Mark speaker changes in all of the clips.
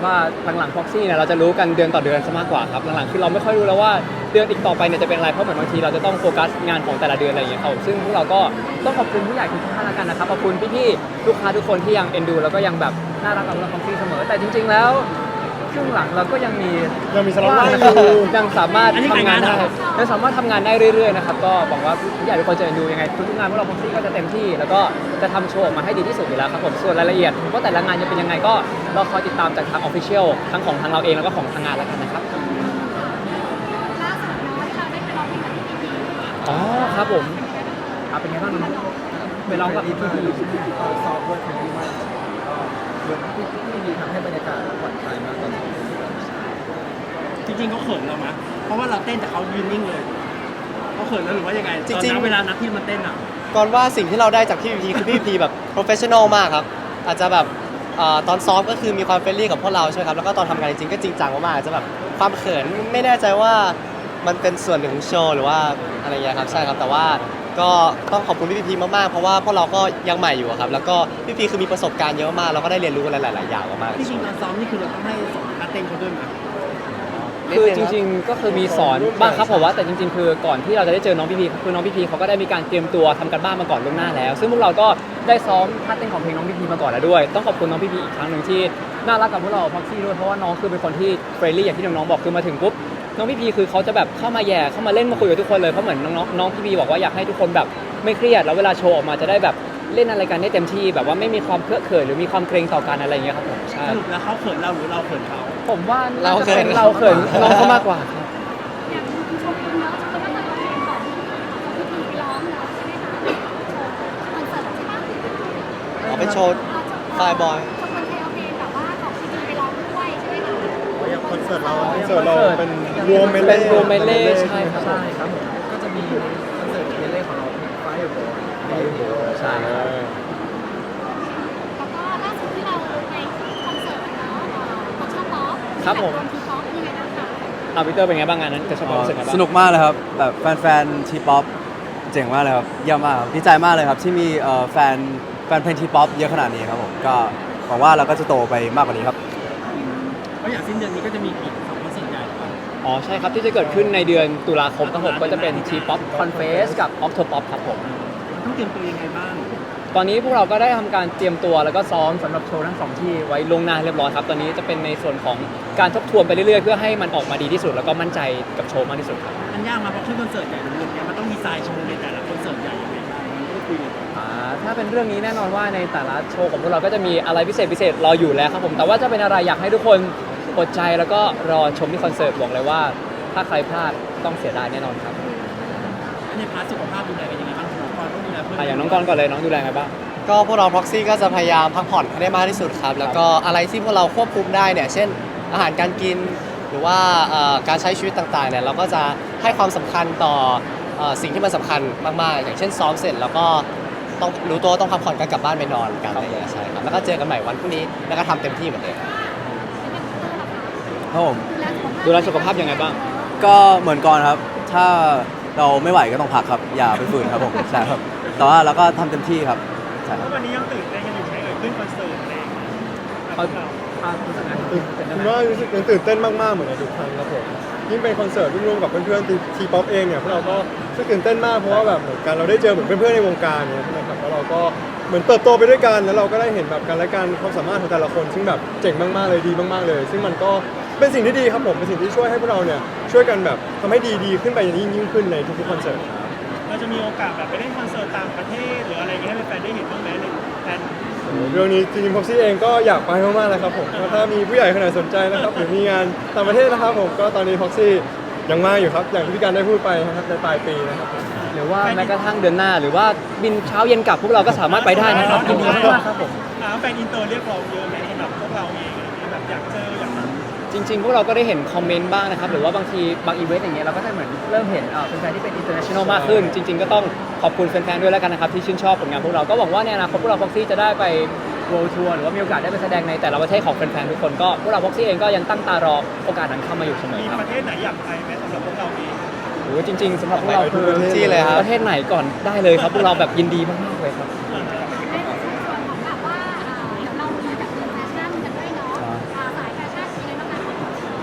Speaker 1: ว่าหลังๆ Proxy เนี่ยเราจะรู้กันเดือนต่อเดือนซะมากกว่าครับหลังๆคือเราไม่ค่อยรู้แล้วว่าเดือนอีกต่อไปเนี่ยจะเป็นอะไรเพราะเหมือนบางทีเราจะต้องโฟกัสงานของแต่ละเดือนอะไรอย่างเงี้ยครับซึ่งพวกเราก็ต้องขอบคุณผู้ใหญ่ทุกท่านแล้วกันนะครับขอบคุณพี่ๆลูกค้าทุกคนที่ยังเอ็นดูแล้วก็ยังแบบน่ารักกับเรา Proxy เสมอแต่จริงๆแล้วครึ่งหลังเราก็ยังมี
Speaker 2: สล็อต
Speaker 1: ว่าง
Speaker 2: ว่าง
Speaker 1: นะ
Speaker 2: อ
Speaker 1: ครับ
Speaker 2: ยู่
Speaker 1: ยังสามารถทำงานได้ยังสามารถทำงานได้เรื่อยๆนะครับก็หวังว่าผู้ใหญ่ทุกคนจะเอ็นดูยังไงทุกๆงานพวกเรา Proxy ก็จะเต็มที่แล้วก็จะทำโชว์ออกมาให้ดีที่สุดอยู่แล้วครับผมส่วนรายละเอียดว่าแต่ละงานจะเป็นยังไงก็รอคอยติดตามจากทาง Official ทั้งของทางเราเองแล้วก็ของทางงานแล้วกันนะครับ
Speaker 3: ล่าสุดเนาะที่เราได้ไปร้องเพลงกับพี่พี
Speaker 1: อ๋อครับผมครับเป็นไงบ้างน้องไปร้องกับพี่พี
Speaker 2: ก็ซ้อมด้วยคนที่มากก็เหมือนที่มีทำให้บรรยากาศผ่อนคลายมากตอนนี้
Speaker 4: จริงๆเขาเขินเราไหมเพราะว่าเราเต้นแต่เขายืนนิ่งเลยเขาเขินแล้วหรือว่ายังไง
Speaker 5: จริงๆ
Speaker 4: ตอนนั้นเวลานัดที่มันเต้นอ่ะ
Speaker 5: ก่อนว่าสิ่งที่เราได้จากพี่พีคือพี่พีแบบ professional มากครับอาจจะแบบตอนซ้อมก็คือมีความเฟรนลี่กับพวกเราใช่ไหมครับแล้วก็ตอนทำงานจริงๆก็จริงจังมากๆอาจจะแบบความเขินไม่แน่ใจว่ามันเป็นส่วนหนึ่งของโชว์หรือว่าอะไรอย่างเงี้ยครับใช่ครับแต่ว่าก็ต้องขอบคุณพี่พีมากๆเพราะว่าพวกเราก็ยังใหม่อยู่อะครับแล้วก็พี่พีคือมีประสบการณ์เยอะมากเราก็ได้เรียนรู้อะไรหลายๆอย่างมากๆ
Speaker 4: ที่จริงตอนซ้อมนี่คือเราต้องให้สอนนัดเต้นเขาด้วยไหม
Speaker 1: คือจริงๆก็คือมีสอนบ้างครับผมว่าแต่จริงๆคือก่อนที่เราจะได้เจอน้องพี่พีคือน้องพี่พีเขาก็ได้มีการเตรียมตัวทำกันบ้านมาก่อนล่วงหน้าแล้วซึ่งพวกเราก็ได้ซ้อมท่าเต้นของเพลงน้องพี่พีมาก่อนแล้วด้วยต้องขอบคุณน้องพี่พีอีกครั้งหนึ่งที่น่ารักกับพวกเราพ็อกซี่ด้วยเพราะว่าน้องคือเป็นคนที่เฟรนลี่อย่างที่น้องๆบอกคือมาถึงปุ๊บน้องพี่พีคือเขาจะแบบเข้ามาแย่เข้ามาเล่นมาคุยกับทุกคนเลยเพราะเหมือนน้องพี่พีบอกว่าอยากให้ทุกคนแบบไม่เครียดแล้วเวลาโชว์ออกมาจะได้แบบเล่นอะไรกันได้เต็มที่แบบว่าไม่มีความเคอะเขินหรือมีความเกรงต่อกันอะไรอย่างเงี้ยครับผมใช่
Speaker 4: สรุปแล้วเขาเขินเราหรือเราเขินเขา
Speaker 1: ผมว่าน่าจะเป็นเราเขินน้องเขามากกว่าครับ
Speaker 3: อย่างคุณชมคุณเนาะชมก็มาทำเพลงของพี่พีไปร้องเนาะใช่ไหมคะคอนเสิร์ตใช่ปะ
Speaker 5: เอาไปโชว์ไฟล์บอย
Speaker 3: ชมคนเทลเพลงแบบว่าของพี่พีไปร้องด้วยใช่ไหมคะ
Speaker 2: อย่างคอนเสิร์ตเรา
Speaker 1: เป็น
Speaker 2: รวมเม
Speaker 1: เป็น
Speaker 2: เล่
Speaker 1: รวมเมเล่ใช่ครับ
Speaker 2: ใช่ครับผมก็จะมีคอนเสิร์ตเมเล่ของเราไฟโบใช่ครับ
Speaker 3: แล้วก็ล่าสุดที่เราในคอนเสิร์ตเนาะของชอบป๊อป
Speaker 1: ครับผม
Speaker 3: ทีป๊อปยังไงบ้างคะ
Speaker 1: อาวิเตอร์เป็นไงบ้างงานนั้นจะชอบความรู้สึกไงบ้าง
Speaker 6: สนุกมากเลยครับแบบแฟนๆทีป๊อปเจ๋งมากเลยครับเยี่ยมมากครับดีใจมากเลยครับที่มีแฟนเพลงทีป๊อปเยอะขนาดนี้ครับผมก็หวังว่าเราก็จะโตไปมากกว่านี้ครับ
Speaker 4: เพราะอย่างสิ้นเดือนนี้ก็จะมีอีก2คอนเสิร์ตใหญ่ครับ
Speaker 1: อ๋อใช่ครับที่จะเกิดขึ้นในเดือนตุลาคมครับผมก็จะเป็น T-pop Confess กับ Octopop ครับผม
Speaker 4: ต้องเตรียมตัวยังไงบ้าง
Speaker 1: ตอนนี้พวกเราก็ได้ทำการเตรียมตัวแล้วก็ซ้อมสำหรับโชว์ทั้งสองที่ไว้ลวงหน้าเรียบร้อยครับตอนนี้จะเป็นในส่วนของการทบทวนไปเรื่อยๆเพื่อให้มันออกมาดีที่สุดแล้วก็มั่นใจกับโชว์มากที่สุดครับ
Speaker 4: มันยากมาเพราะชื่อคอนเสิร์ตใหญ่รวมๆเนี่ยมันต้องดีไซน์โชว์ในแต่ละคอนเสิร์ตใหญ่ยังไงบ้างมันต้องคุยกัน
Speaker 1: ถ้าเป็นเรื่องนี้แน่นอนว่าในแต่ละโชว์ของพวกเราก็จะมีอะไรพิเศษรออยู่แล้วครับผมแต่ว่าจะเป็นอะไรอยากให้ทุกคนอดใจแล้วก็รอชมที่คอนเสิร์ตบอกเลยว่า ถ้าใครพลาดต้องเสียดายแน่นอนครับ
Speaker 4: ในพาร์ทสุขภาพดูแลกันยังไงบ้างน้องกรต้องดูแลเพื่อน
Speaker 1: อย่างน้องกรก่อนเลยน้องดูแลไงบ้าง
Speaker 5: ก็พวกเรา proxy ก็จะพยายามพักผ่อนให้ได้มากที่สุดครับ แล้วก็อะไรที่พวกเราควบคุมได้เนี่ย เช่นอาหารการกิน หรือว่าการใช้ชีวิตต่างๆเนี่ยเราก็จะให้ความสำคัญต่อสิ่งที่มันสำคัญมากๆ อย่างเช่นซ้อมเสร็จแล้วก็ต้องรู้ตัวว่าต้องพักผ่อนกันกลับบ้านไปนอนกันอะไรอย่างเงี้ยใช่ครับ แล้วก็เจอกันใหม่วันพรุ่งนี้แล้วก็ทำเต็มที่เหมือนเดิม
Speaker 6: ครับผม
Speaker 1: ดูแลสุขภาพยังไงบ้าง
Speaker 6: ก็เหมือนก่อนครับ ถ้าเราไม่ไหวก็ต้องพักครับ อย่าไปฝืนครับผมใช่ครับแต่ว่าเราก็ทำเต็มที่ครับใช่ครับ
Speaker 4: วันนี้ยังตื่นเต้นกันอยู่ไหมขึ้นคอนเสิร์ตอะไรอย่างเงี้ย
Speaker 2: ผมว่ารู้สึกตื่นเต้นมากๆเหมือนในทุกครั้งครับผมยิ่งเป็นคอนเสิร์ตร่วมกับเพื่อนๆทีป๊อปเองเนี่ยพวกเราก็รู้สึกตื่นเต้นมากเพราะว่าแบบเหมือนกันเราได้เจอเหมือนเพื่อนๆในวงการเนี่ยนะครับแล้วเราก็เหมือนเติบโตไปด้วยกันแล้วเราก็ได้เห็นแบบกันและกันความสามารถของแต่ละคนซึ่งแบบเจ๋งมากๆเลยดีมากๆเลย ซึ่งมันก็เป็นสิ่งที่ดีครับผมเป็นสิ่งที่ช่วยให้พวกเราเนี่ยช่วยกันแบบทำให้ดีขึ้นไปยิ่งขึ้นในทุกๆคอนเสิร์ต
Speaker 4: เราจะมีโอกาสแบบไปเล่นคอนเสิร์ตต่างประเทศหรืออะไรอย่างเงี้ยให้แฟนๆได้เห็นบ้างไหมในแฟน
Speaker 2: เรื่องนี้จริงๆพ็อกซี่เองก็อยากไปมากๆเลยครับผมถ้ามีผู้ใหญ่คนไหนสนใจนะครับหรือมีงานต่างประเทศนะครับผมก็ตอนนี้พ็อกซี่ยังว่างอยู่ครับอย่างที่พี่การได้พูดไปนะครับในปลายปีนะครับผม
Speaker 1: หรือว่าแม้กระทั่งเดือนหน้า หรือว่าบินเช้าเย็นกลับพวกเราก็สามารถไปได้นะครับยินดีมากๆครับผม
Speaker 4: แฟนอินเตอร์เรียกร้องเยอะไหมสำหรับพวกเราเองอะไรเงี้ยแบบอยากเจออยาก
Speaker 1: จริงๆ พวกเราก็ได้เห็นคอมเมนต์บ้างนะครับหรือว่าบางทีบางอีเวนต์อย่างเงี้ยเราก็จะเหมือนเริ่มเห็นแฟนๆที่เป็น international มากขึ้น จริง ๆ ก็ต้องขอบคุณแฟนๆด้วยแล้วกันนะครับที่ชื่นชอบผลงานพวกเราก็หวังว่าในอนาคตพวกเรา Proxy จะได้ไป World Tour หรือว่ามีโอกาสได้ไปแสดงในแต่ละประเทศของแฟนๆทุกคนก็พวกเรา Proxy เองก็ยังตั้งตารอโอกาสนั้นเข้ามาอยู่เสมอ
Speaker 4: มี
Speaker 1: ครับ
Speaker 4: ประเทศไหนอยากไปไหมสำหรับพวกเราเอง
Speaker 1: โอ้จริงๆสำหรับพวกเราคือ
Speaker 5: ที่เลยครับ
Speaker 1: ประเทศไหนก่อนได้เลยครับพวกเราแบบยินดีมากๆเลยครับ
Speaker 3: ในส่วนของแบบว่าเดี๋ยวเรามีแบบเรียนแฟชั่นกันด้วยเนาะสายแฟชั่น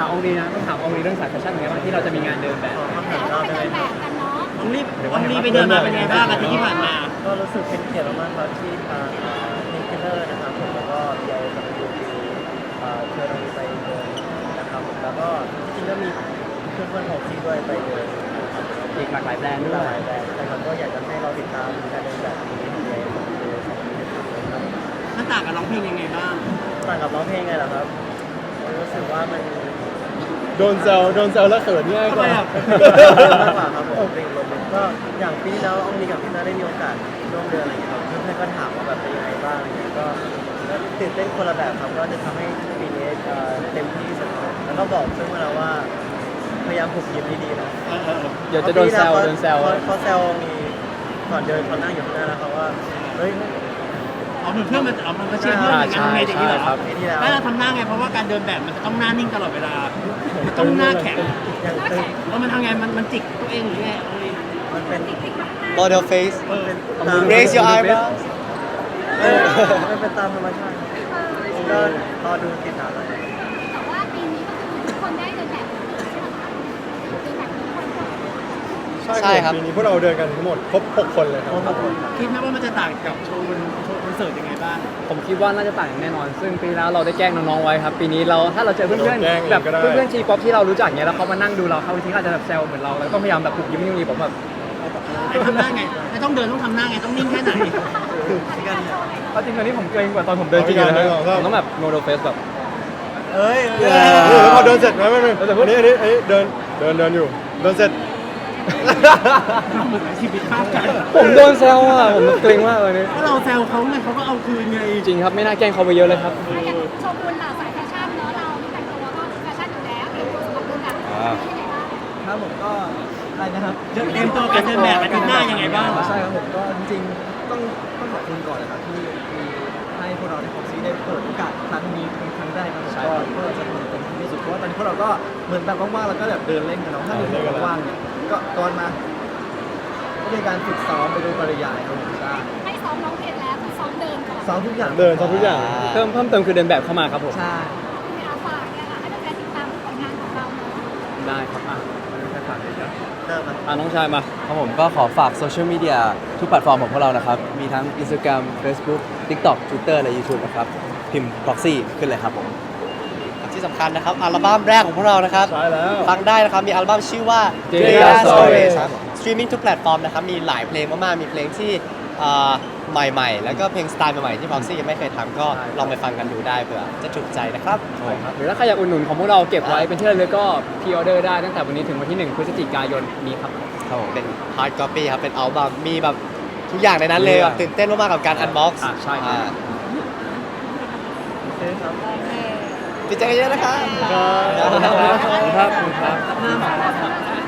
Speaker 1: องลีนะต้องถามองลีเรื่องสายแฟชั่นเป็นไงบ้างที่เราจะมีงานเดินแบบ
Speaker 3: เดี๋ยวเราไปเดินแบบกันเนาะ
Speaker 4: น้องรีบไปเดินมาเป็นไงบ้างอาทิตย์ที่ผ่านมา
Speaker 7: ก็รู้สึกเป็นเกียรติมากๆครับที่ทางนิกเกอร์นะครับผมแล้วก็เดียวกับยูเชิญเราไปเดินนะครับผมแล้วก็จริงๆก็มีเพื่อนๆของที่ด้วยไปเดินนะครับ
Speaker 1: อีกหลากหลายแบรนด์ด้ว
Speaker 7: หลาย ยแบรนด์แต่มันก็อยากจะให้เราติดตามการเดินแบบนี้ในเดือน2023ครับ
Speaker 4: มันต่างกับร้องเพลงยังไงบ้าง
Speaker 7: ต่างกับร้องเพลงไงล่ะครับรู้สึกว่ามัน
Speaker 2: โดนแซวแล้วเขินง่ายกว่า
Speaker 7: มากกว่าครับผมเป็นลมก็อย่างปีแล้วอองลีกับพี่นาได้มีโอกาสร่วมเดินอะไรอย่างเงี้ยครับเพื่อนๆก็ถามว่าแบบเป็นยังไงบ้างอะไรเงี้ยก็ตื่นเต้นคนละแบบครับก็จะทำให้ปีนี้เต็มที่ที่สุดครับแล้วก็บอกซึ่งมาแล้วว่าพยายามผูกยิ้มดีๆนะ
Speaker 1: เดี๋ยวจะโดนแซว
Speaker 7: เขาแซวมีก่อนเดินเขานั่งอยู่ข้างหน้าแล้วเขาว่าเฮ้ย
Speaker 4: เอาเพื่อนมันเชียร์เพื่อนอย่างนั้นไงอย่างนี้เหรอ
Speaker 7: ปีที่แล้ว
Speaker 4: แล้วเราทำหน้าไงเพราะว่าการเดินแบบมันจะต้องหน้านิ่งตลอดเวลามันต้องหน้าแข็ง
Speaker 7: ยังตึง
Speaker 4: แล้วมันทำไงมันจิกตัวเองหรือไงเอาเลย
Speaker 7: มันเป็น
Speaker 5: model face
Speaker 7: เป็น
Speaker 5: raise your eyebrows
Speaker 7: มันเป็นตามธรรมชาติก็รอดูติดตามเลย
Speaker 3: แต่ว่าปีนี้ก็คือทุกคนได้เดินแบบใช่ไหมคะเดินแบบทุกคน
Speaker 5: ใช่ครับ
Speaker 2: ปีนี้พวกเราเดินกันทั้งหมดครบ6คนเลยครับ
Speaker 4: คิดไหมว่ามันจะต่างกับโชว์คอนเสิร์ตยังไงบ้าง
Speaker 1: ผมคิดว่าน่าจะต่างอย่างแน่นอน ซึ่งปีแล้วเราได้แกล้งน้องๆไว้ครับ ปีนี้เราถ้าเราเจอเพื่อนๆแบบเพื่อนๆทีป๊อปที่เรารู้จักเนี้ยแล้วเขามานั่งดูเราเขาทีอาจจะแบบแซวเหมือนเราแล้วต้องพยายามแบบปลุกยิ้มยิ้มผมแบบ
Speaker 4: ไอ้ทำหน้าไงไม่ต้องเดินต้องทำหน้าไงต้องนิ่งแค่ไหน
Speaker 1: เอาจริงตอนนี้ผมเกรงกว่าตอนผมเดินจริงเลยนะผมต้องแบบโนโดเฟสแบบ
Speaker 7: เอ้ย
Speaker 2: แล้วพอเดินเสร็จนะไม่อันนี้เดินอยู่เดินเสร็จ
Speaker 4: เหมือนชีวิตภาพกัน
Speaker 1: ผมโดนแซวอ่ะผมเกรงมากเลยนี่
Speaker 4: ถ้าเราแซวเขาไงเขาก็เอาคืนไง
Speaker 1: จริงครับไม่น่าแกล้งเขาไปเยอะเลยครับ
Speaker 3: อย่างโชกุนเราสายแฟชั่นเนาะเราแต่งตัวก็แฟชั่นอยู่แล้วเตรียมตัวสำหรับเดินแบบเป็นยังไงบ้าง
Speaker 7: ครับผมก็อะไรนะครับ
Speaker 4: เตรียมตัวการเดินแบบอาทิตย์หน้ายังไงบ้าง
Speaker 7: ใช่ครับผมก็จริงๆต้องขอบคุณก่อนนะครับที่มีให้พวกเราในของซีได้เปิดโอกาสครั้งนี้เป็นครั้งแรกนะครับ
Speaker 1: ใช่
Speaker 7: ก็พวกเราจะทำเต็มที่ที่สุดเพราะว่าตอนนี้พวกเราก็เหมือนแบบว่างๆแล้วก็แบบเดินเล่นกันเนาะถ้ามีคนว่างๆเนี่ยก็ตอนมาก็เป็นการฝึกซ้อมไปโดยปริยายครับผมใช่
Speaker 3: ให้ซ้อมร้องเพลงแล้วคือซ้อมเดินก่อน
Speaker 7: ซ้อมทุกอย่าง
Speaker 2: เดินซ้อมทุกอย่าง
Speaker 1: เพิ่มเติมคือเดินแบบเข้ามาครับผม
Speaker 7: ใช่
Speaker 3: มีอาฝากเนี่ยค่ะให้แฟนๆติดตามผลงานของเราเนาะ
Speaker 1: ได้ครับอ่ะแค่ฝากเลยนะ
Speaker 7: เริ่มครับ
Speaker 1: น้องชายมา
Speaker 6: ครับผมก็ขอฝากโซเชียลมีเดียทุกแพลตฟอร์มของพวกเรานะครับ มีทั้ง Instagram Facebook TikTok Twitter และ YouTube นะครับ พิมพ์ proxy ขึ้นเลยครับผม
Speaker 5: ที่สำคัญนะครับอัลบั้มแรกของพวกเรานะครับ
Speaker 2: ใช่แล้ว
Speaker 5: ฟังได้นะครับ มีอัลบั้มชื่อว่า
Speaker 1: Delia
Speaker 5: Stories ครับสตรีมมิ่งทุกแพลตฟอร์มนะครับ มีหลายเพลงมากๆ มีเพลงที่ใหม่ๆ แล้วก็เพลงสไตล์ใหม่ๆ ที่ Proxy ยังไม่เคยทำก็ลองไปฟังกันดูได้เผื่อจะถูกใจนะครับ
Speaker 1: หรือถ้าใครอยากอุดหนุนของพวกเราเก็บไว้เป็นที่ระลึกก็พรีออเดอร์ได้ตั้งแต่วันนี้ถึงวันที่ 1 พฤศจิกายนนี้ครับ
Speaker 5: ครับผมเป็น hard copy ครับ เป็นอัลบั้มมีแบบทุกอย่างในนั้นเลยแบบตื่นเต้นมากๆกับการ unbox
Speaker 1: ใช่ครับ
Speaker 5: ดีใจกันเยอะนะครับ
Speaker 1: ขอบคุณครับ